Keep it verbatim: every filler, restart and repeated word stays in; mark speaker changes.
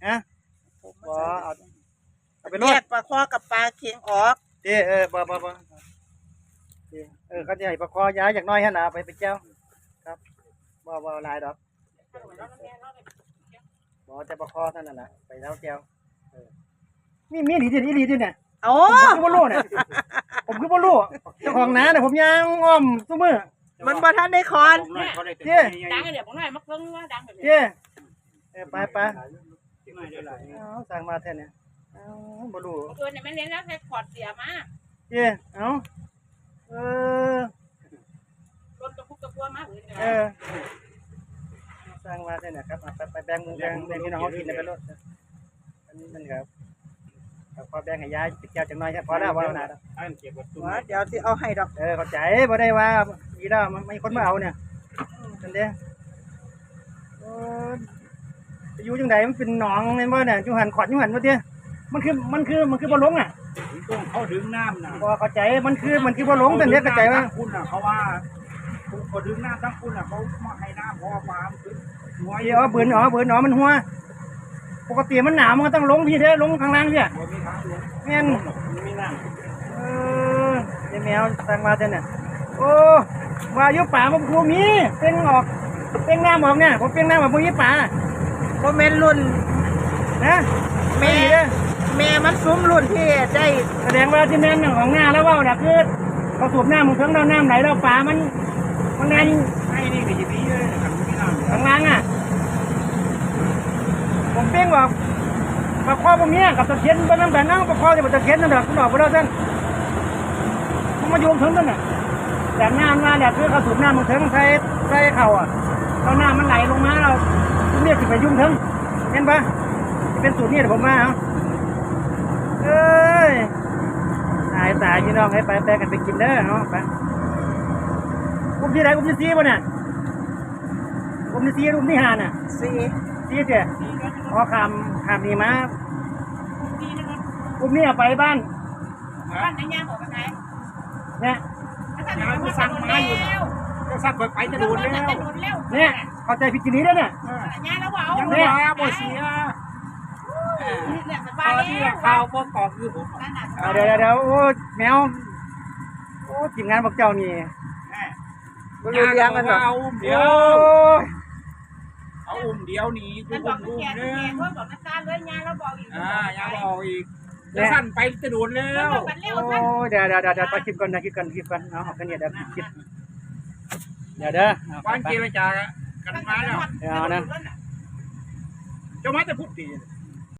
Speaker 1: ฮะบ่เอาเอาไปร
Speaker 2: แย
Speaker 1: ถ
Speaker 2: กปลาคอกับปลาเค็งออก
Speaker 1: เด้เออบ่บ่บ่เออเขาจะให้ประคอย้ายจากน้อยหั่นน่ะไปเป็นแก้วครับบ่บ่หลายดอกบ่แต่ประคอเท่านั้นน่ะไปแล้วแก้วเออมีมีหลีดิอีหลีดิเนี่ย
Speaker 2: โอ้
Speaker 1: ผมคือบ่รู้เนี่ยผมคือบ่รู้เจ้าของนาเนี่ยผมย่างอ้อมซุมื้อ
Speaker 2: มันบ่ทันได้คอน
Speaker 1: เจ้
Speaker 3: ดังเดี๋ยวผมหน่อยมักเพิ่งว่าดังแบบ
Speaker 1: เจ้เออไปไปเอาสั่งมาแท้เนี่ยเอาบ่รู้
Speaker 3: ตัวเนี่ยไม่เล่นแล้วแค่ขอดเสียมา
Speaker 1: เจ้เอาเออ
Speaker 3: รถกระพุกกระพัวมาอื่น
Speaker 1: เออสร้างมาได้นะครับไปไปแบ่งมือแบ่งแบ่งพี่น้องเขากินในไปรถอันนี้มันครับพอแบ่งให้ยายติดแก้วจังน้อยพอแล้วว่าหนา
Speaker 2: เดี๋ยวที่เอาให้ดอก
Speaker 1: เออเข้าใจบ่ได้ว่าดีแล้วไม่คนมาเอาเนี่ยนั่นเด้เอออยู่จังไดมันเป็นหนองแม่นบ่เนี่ยอยู่หันขอดอยู่หันบ่เด้มันคือมันคือมันคือบ่ลงอ่ะ
Speaker 4: ต้องเขาดึงน้ำนะ
Speaker 1: บ่เข้าใจมันคือมันคือบ่ลงนั่นเด้เข้าใจว่า
Speaker 4: คุณอ่ะเขาว่าเขาดึงน้ำทั้งคุณอ่ะเขามาให้น้ำเพราะว่าปลามันขึ้นหัว
Speaker 1: เอ๋อเบิ่นอ๋อเบิ่นอ๋อมันหัวปกติมันหนาวมันก็ต้องลงพี่เด้ลงข้างล่างพี่
Speaker 4: หัวมีทางลง
Speaker 1: แม่น
Speaker 4: มีน้
Speaker 1: เออเดี๋ยวแมวสั่งมาเท่าเนี่ยโอ้ว่าอยู่ป่ามันคูมีเป่งออกเป่งหน้าออกเนี่ยผมเป่งหน้าออกพวกนี้ป่า
Speaker 2: บ่แม่นรุ่น
Speaker 1: นะ
Speaker 2: แม่ แม่มันซุ้มรุ่นที่ได้
Speaker 1: แสดงว่าที่แม่นของหน้าแล้วว่าเนี่ยคือเขาสูบน้ำมันเพิ่งเราน้ำไหลแล้วป่ามันมันไง
Speaker 4: ำให้นี่ก็จะมีเลยนะครับมีน้ำ
Speaker 1: ข้างล่างอ่ะผมเป่งออกปลาคอพวกนี้กับตะเคียนบนน้ำแบบนั้นปลาคอจะเป็นตะเคียนนั่นแหละคุณออกไปแล้วท่านมันมาโยงถึงนั่นน่ะแต่น้ำมาเนี่ยคือเขาสูบน้ำมันถึงใส่ใส่เข่าอ่ะเราน้ำมันไหลลงมาเราเรียกไปยุ่งถึงเห็นปะเป็นสูตรนี้เดี๋ยวผมมาเอาเอ้ยตายตายพี่น้องให้ไปไปกันไปกินเด้อเนาะไปอุ้มที่ไหนอุ้มที่ซีป่ะเนี่ยอุ้มที่ซีอุ้มที่หาน่ะ
Speaker 2: สี่
Speaker 1: ซีเจ้พอคำคำนี้มาอุ้มนี่ไปบ้าน
Speaker 3: บ้านไหนย่าบอกกันไหน
Speaker 1: เนี่ย
Speaker 3: ยายก็สั่งมาอยู่แล้ว
Speaker 4: ก็สั่งไปไปจะโดนแล้ว
Speaker 3: จะโดนแล้ว
Speaker 1: เนี่ยเข้าใจผิดจีนี้แล้วเนี่ย
Speaker 3: ยาแล้วว่าเอา
Speaker 4: ยังไม่มาบ่เสีย
Speaker 3: เนี่ยส
Speaker 4: ต
Speaker 3: บาย
Speaker 4: อน
Speaker 3: แล้
Speaker 4: ที่
Speaker 3: ว
Speaker 4: ข่าวบ่กอกคือผม
Speaker 1: อ่าเดี๋ยวเดี๋ยวเดี๋ยวโอ้แมวโอ้ทีมงานพวกเจ้านี่
Speaker 2: บ่รู้เรื่องกันดอก
Speaker 4: เอาอุ้มเดี
Speaker 1: โอ้
Speaker 4: ยวย เอาอุ้มเดียวนี่จุ
Speaker 3: มันบ
Speaker 4: อุ้
Speaker 3: อก
Speaker 4: ม
Speaker 3: แก
Speaker 4: อุ้ม
Speaker 3: แก
Speaker 4: นึง
Speaker 3: เขาบอกนักการเลยยาแล้วบอกอีก
Speaker 4: อ่ายังบอกอีกจะสั่นไปจะโดนแล้
Speaker 3: แล้ว
Speaker 4: ว
Speaker 3: บอกกันเร็ว
Speaker 1: โอ้
Speaker 3: ท่าน
Speaker 1: เดี๋ยวเดี๋ยวเดี๋ยวเดี๋ยวไปคลิปก่อนนะคลิปก่อนคลิปก่อนเอาเอาแค่นี้เดี๋ยวคลิปเดี๋ยวเด้อเอา
Speaker 4: วัน
Speaker 1: ไป
Speaker 4: เจรจากันมาแล้ว
Speaker 1: เอานะ
Speaker 4: เจ้ามาจะพูดดี
Speaker 1: บ